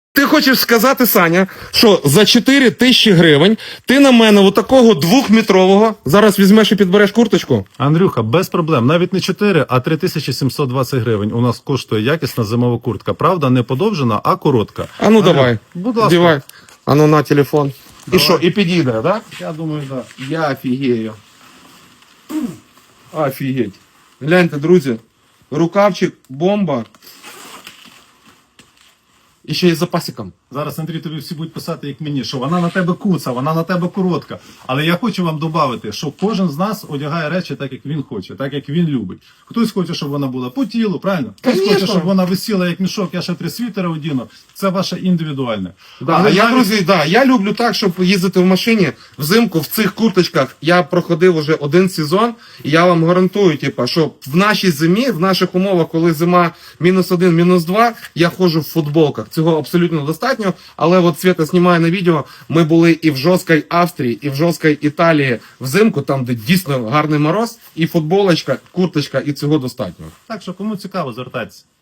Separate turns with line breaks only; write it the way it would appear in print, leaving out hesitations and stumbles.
Ти хочеш сказати, Саня, що за 4 тисячі гривень ти на мене отакого 2-метрового зараз візьмеш і підбереш курточку?
Андрюха, без проблем. Навіть не 4, а 3720 гривень. У нас коштує якісна зимова куртка. Правда, не подовжена, а коротка.
А ну давай,
будь ласка.
дівай. А ну на телефон.
Давай.
І що, і підійде, так? Да?
Я думаю, так. Да.
Я офігею. Офігеть. Гляньте, друзі, рукавчик, бомба. І ще й з запасиком.
Зараз, Андрій, тобі всі будуть писати, як мені, що вона на тебе куца, вона на тебе коротка. Але я хочу вам додати, що кожен з нас одягає речі так, як він хоче, так, як він любить. Хтось хоче, щоб вона була по тілу, правильно? Хтось
Конечно.
хоче, щоб вона висіла як мішок, я ще 3 світери одіну. Це ваше індивідуальне.
Да,
Але
а я,
навіть-
друзі, да, я люблю так, щоб їздити в машині взимку в цих курточках. Я проходив уже 1 сезон, і я вам гарантую, типа, що в нашій зимі, в наших умовах, коли зима -1, -2, я ходжу в футболках. Цього абсолютно достатньо. Але от Свята знімає на відео, ми були і в жорсткій Австрії, і в жорсткій Італії взимку, там, де дійсно гарний мороз, і футболочка, курточка, і цього достатньо.
Так що, кому цікаво, звертайтеся.